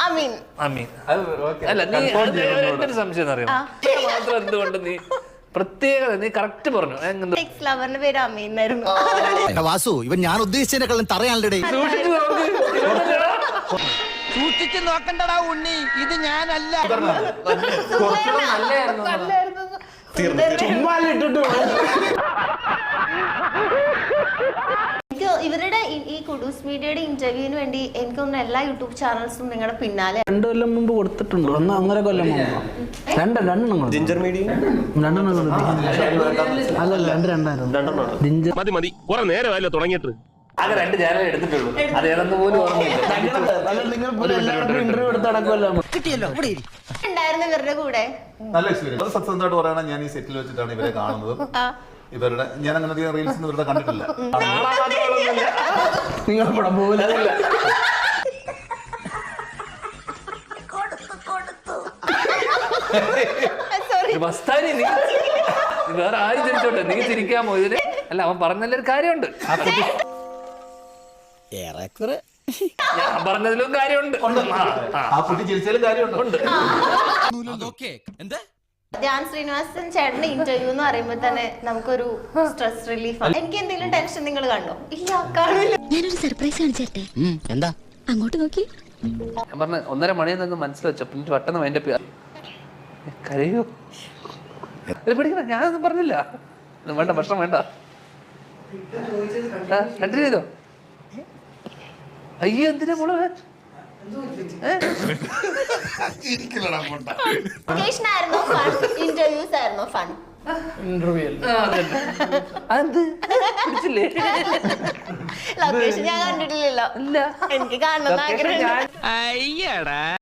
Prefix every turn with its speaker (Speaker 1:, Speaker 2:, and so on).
Speaker 1: അമീൻ.
Speaker 2: അല്ല നീ എന്തൊരു സംശയം അറിയാം മാത്രം എന്തുകൊണ്ട് നീ പ്രത്യേകത നീ കറക്റ്റ് പറഞ്ഞു.
Speaker 1: എക്സ് ലവറിന്റെ പേര് അമീൻ എന്നായിരുന്നു.
Speaker 3: വാസു ഇവൻ ഞാൻ ഉദ്ദേശിച്ചതിനെക്കാളും തറയാണല്ലേ.
Speaker 4: സൂക്ഷിച്ചു നോക്കണ്ടടാ ഉണ്ണി, ഇത് ഞാനല്ല.
Speaker 1: ഇവരുടെ ഈ കുഡൂസ് മീഡിയയുടെ ഇന്റർവ്യൂവിന് വേണ്ടി എനിക്ക് തോന്നുന്നു എല്ലാ യൂട്യൂബ് ചാനൽസും നിങ്ങളുടെ പിന്നാലെ
Speaker 5: 2 കൊല്ലം മുമ്പ് കൊടുത്തിട്ടുണ്ട്. 1.5 കൊല്ലം മുമ്പ് രണ്ടെണ്ണം
Speaker 6: ജിഞ്ചർ മീഡിയ
Speaker 5: അല്ലല്ല രണ്ടായിരുന്നു.
Speaker 6: മതി കുറെ നേരമല്ലോ തുടങ്ങിയിട്ട്.
Speaker 2: ആകെ 2 ചാനൽ എടുത്തിട്ടുള്ളൂ. അത് ഏതെന്ന് പോലും
Speaker 5: ഇന്റർവ്യൂ എടുത്ത് നടക്കുമല്ലോ.
Speaker 4: കിട്ടിയല്ലോ
Speaker 1: ഉണ്ടായിരുന്നു ഇവരുടെ കൂടെ.
Speaker 7: നല്ല എക്സ്പീരിയൻസ്. സത്യസന്ധമായിട്ട് പറയണ, ഞാൻ ഈ സെറ്റിൽ വെച്ചിട്ടാണ് ഇവരെ കാണുന്നത്. ഇവരുടെ ഞാൻ അങ്ങനെ അധികം റീൽസ് ഇവരുടെ കണ്ടിട്ടില്ല.
Speaker 5: നിങ്ങൾ പടം പോകില്ല.
Speaker 2: മസ്താനി നീ വേറെ ആരും തിരിച്ചോട്ടെ, നീ തിരിക്കാമോ ഇതിന്? അല്ല അവൻ പറഞ്ഞതിലൊരു കാര്യമുണ്ട്, ഞാൻ പറഞ്ഞതിലും കാര്യമുണ്ട്.
Speaker 7: ആ കുട്ടി ചിരിച്ചാലും കാര്യമുണ്ട്.
Speaker 1: ധ്യാൻ ശ്രീനിവാസൻ ചേട്ടന്റെ ഇന്റർവ്യൂ എന്ന് പറയുമ്പോ തന്നെ നമുക്കൊരു സ്ട്രെസ് റിലീഫ് ആണ്. എനിക്ക് എന്തെങ്കിലും ടെൻഷൻ നിങ്ങൾ കണ്ടോ? ഇല്ല, കാണില്ല.
Speaker 8: ഞാനൊരു സർപ്രൈസ് കാണിച്ചേട്ടെ.
Speaker 4: എന്താ?
Speaker 8: അങ്ങോട്ട് നോക്കി.
Speaker 2: ഞാൻ പറഞ്ഞ 1:30 മണിയെന്നൊന്ന് മനസ്സിൽ പിന്നെ പെട്ടെന്ന് അതിന്റെ കരയോ പിടിക്കണ, ഞാനൊന്നും പറഞ്ഞില്ല. വേണ്ട, ഭക്ഷണം വേണ്ട. കണ്ടിന്യൂ ചെയ്തോ. അയ്യോ എന്തിനാ മോളെ
Speaker 1: ആയിരുന്നു ഫൺ, ഇന്റർവ്യൂസ് ആയിരുന്നു ഫൺ. ലൊക്കേഷൻ ഞാൻ കണ്ടിട്ടില്ലല്ലോ. എനിക്ക് കാണണമെന്ന് ആഗ്രഹം.